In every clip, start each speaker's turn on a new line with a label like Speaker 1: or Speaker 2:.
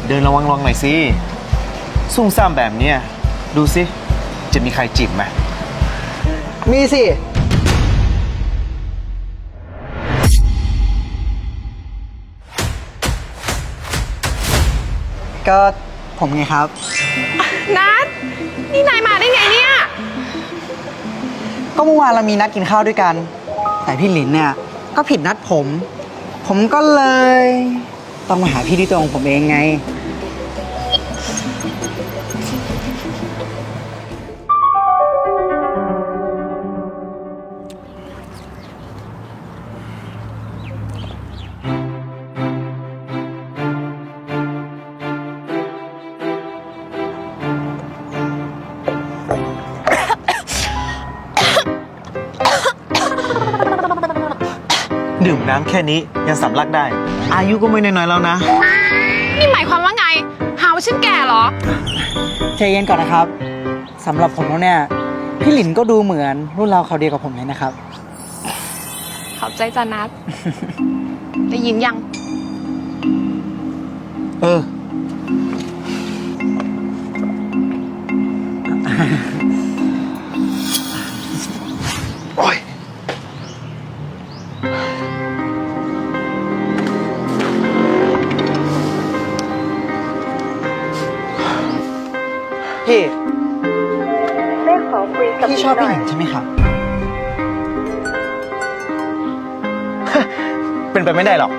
Speaker 1: เดินระวังหน่อยสิซุ่มซ่ามแบบเนี้ยดูสิจะมีใครจีบไหม
Speaker 2: มีสิก็ผมไงครับ
Speaker 3: นัดนี่นายมาได้ไงเนี่ย
Speaker 2: ก็เมื่อวานเรามีนัดกินข้าวด้วยกันแต่พี่หลินเนี่ยก็ผิดนัดผมก็เลยต้องมาหาพี่ที่ตัวของผมเองไง
Speaker 1: ดื่มน้ำแค่นี้ยังสำลักได้ อายุก็ไม่น้อยๆแล้วนะ
Speaker 3: นี่หมายความว่าไงหาว่าฉันแก่เหรอ
Speaker 2: ใจเย็นก่อนนะครับสำหรับผมแล้วเนี่ยพี่หลินก็ดูเหมือนรุ่นเราเขาเดียวกับผมเลยนะครับ
Speaker 3: ขอบใจจ้านัด ได้ยินยัง
Speaker 1: โอ้ย
Speaker 2: พี่
Speaker 4: ได้ขอคุยกับ
Speaker 2: พี่ชอบพี่หลินใช่ไหมครับ
Speaker 1: เป็นไปไม่ได้หรอก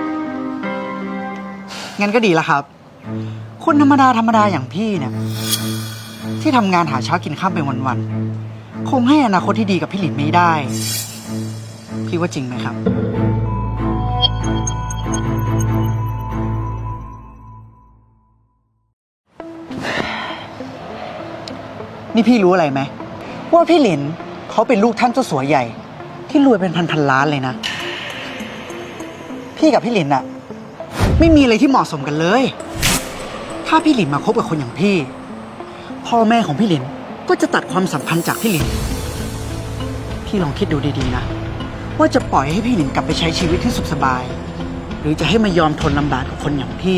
Speaker 2: งั้นก็ดีแล้วครับคนธรรมดาอย่างพี่เนี่ยที่ทำงานหาเช้ากินข้ามไปวันๆคงให้อนาคตที่ดีกับพี่หลินไม่ได้พี่ว่าจริงไหมครับนี่พี่รู้อะไรไหมว่าพี่หลินเขาเป็นลูกท่านเจ้าสัวใหญ่ที่รวยเป็นพันล้านเลยนะพี่กับพี่หลินอะไม่มีอะไรที่เหมาะสมกันเลยถ้าพี่หลินมาคบกับคนอย่างพี่พ่อแม่ของพี่หลินก็จะตัดความสัมพันธ์จากพี่หลินพี่ลองคิดดูดีๆนะว่าจะปล่อยให้พี่หลินกลับไปใช้ชีวิตที่สุขสบายหรือจะให้มายอมทนลำบากกับคนอย่างพี่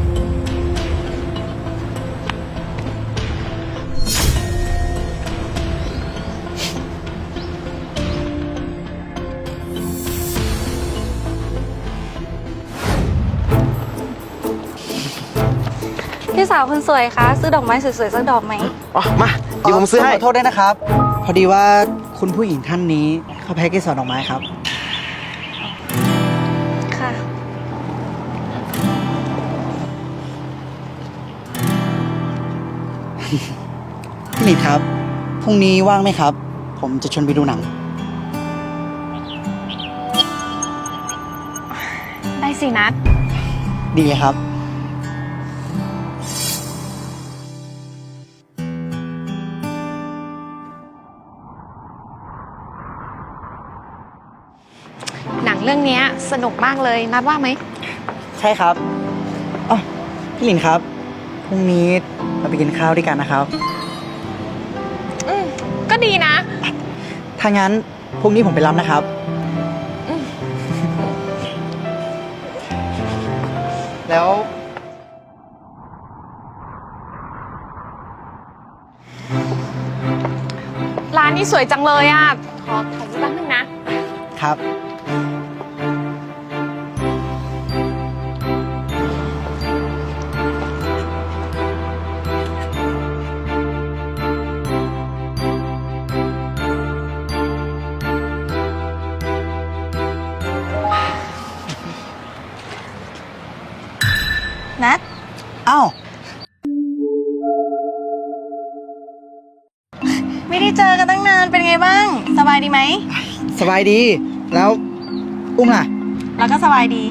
Speaker 4: พี่สาวคนสวยคะซื้อดอกไม้สวยๆสักดอกไหม
Speaker 1: อ๋อมาเดี๋ยวผมซื้อให้
Speaker 2: ขอโทษด้วยนะครับพอดีว่าคุณผู้หญิงท่านนี้เขาแพ็กเกจดอกไม้ครับ
Speaker 4: ค่ะ
Speaker 2: พี่หลินครับพรุ่งนี้ว่างไหมครับผมจะชวนไปดูหนัง
Speaker 3: ได้สินัด
Speaker 2: ดีเลยครับ
Speaker 3: หนังเรื่องนี้สนุกมากเลยนัดว่าไหม
Speaker 2: ใช่ครับอ๋อพี่หลินครับพรุ่งนี้เราไปกินข้าวด้วยกันนะครับ
Speaker 3: ก็ดีนะ
Speaker 2: ถ้างั้นพรุ่งนี้ผมไปรับนะครับแล้ว
Speaker 3: ร้านนี้สวยจังเลยอ่ะขอถ่ายรูปแป๊บนึงนะครับ
Speaker 4: นัด
Speaker 2: อ้าว
Speaker 4: ไม่ได้เจอกันตั้งนานเป็นไงบ้างสบายดีไหม
Speaker 2: สบายดีแล้วอุ้มล่ะ
Speaker 4: แล้วก็สบายดี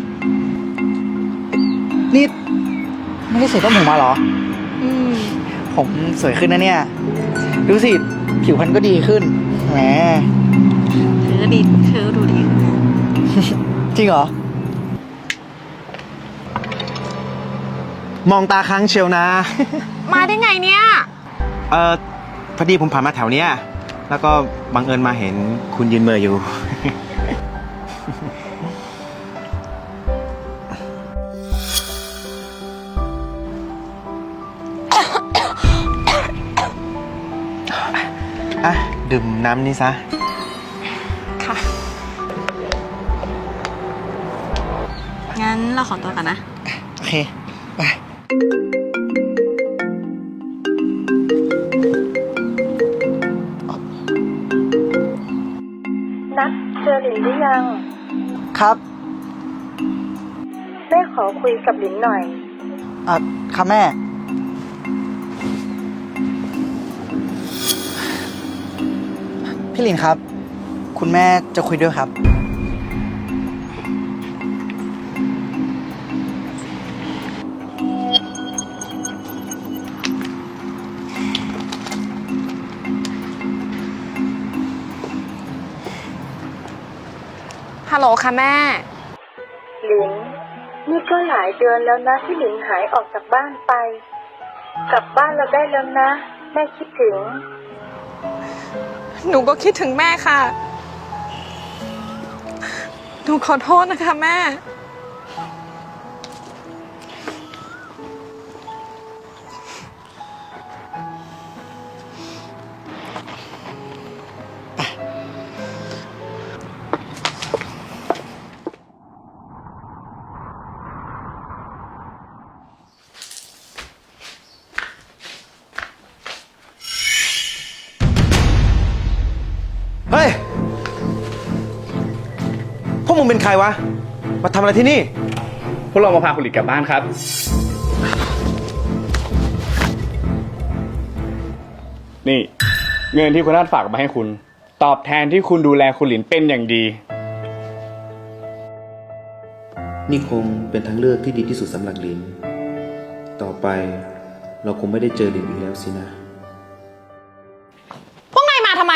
Speaker 2: นี่ไม่ได้ใส่ต้มหูมาเหรอผมสวยขึ้นนะเนี่ยดูสิผิวพรรณก็ดีขึ้นแหม
Speaker 4: เธอดูดี
Speaker 2: จริงเหรอ
Speaker 1: มองตาค้างเชียวนะ
Speaker 3: มาได้ไงเนี่ย
Speaker 1: พอดีผมผ่านมาแถวเนี้ยแล้วก็บังเอิญมาเห็นคุณยืนเมื่ออยู่ดื่มน้ำนี่ซะ
Speaker 3: ค่ะ
Speaker 4: งั้นเราขอตัวกันนะ
Speaker 2: โอเค ไป
Speaker 5: นัดเจอหลินหรือยัง
Speaker 2: ครับ
Speaker 5: แม่ขอคุยกับหลินหน่อย
Speaker 2: ค่ะแม่ พี่หลินครับ คุณแม่จะคุยด้วยครับ
Speaker 3: ฮัลโหลค่ะแม่
Speaker 5: หลิน นี่ก็หลายเดือนแล้วนะที่หลินหายออกจากบ้านไป กลับบ้านเราได้แล้วนะ แม่คิดถึง
Speaker 3: หนูก็คิดถึงแม่ค่ะ หนูขอโทษนะคะแม่
Speaker 1: เฮ้ย พวกมึงเป็นใครวะ มาทำอะไรที่นี่
Speaker 6: พวกเรามาพาคุณหลินกลับบ้านครับ นี่ เงินที่คุณนัทฝากมาให้คุณ ตอบแทนที่คุณดูแลคุณหลินเป็นอย่างดี
Speaker 7: นี่คงเป็นทางเลือกที่ดีที่สุดสำหรับลิน ต่อไปเราคงไม่ได้เจอลินอีกแล้วสินะ
Speaker 3: พวกนายมาทำไม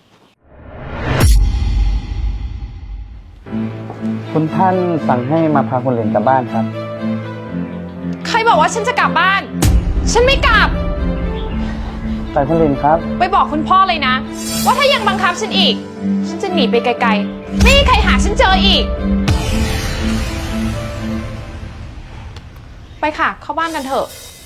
Speaker 6: คุณท่านสั่งให้มาพาคุณหลินกลับบ้านครับ
Speaker 3: ใครบอกว่าฉันจะกลับบ้าน ฉันไม่กลับ
Speaker 6: แต่คุณหลินครับ
Speaker 3: ไปบอกคุณพ่อเลยนะ ว่าถ้ายังบังคับฉันอีก ฉันจะหนีไปไกลๆ ไม่มีใครหาฉันเจออีก ไปค่ะ เข้าบ้านกันเถอะ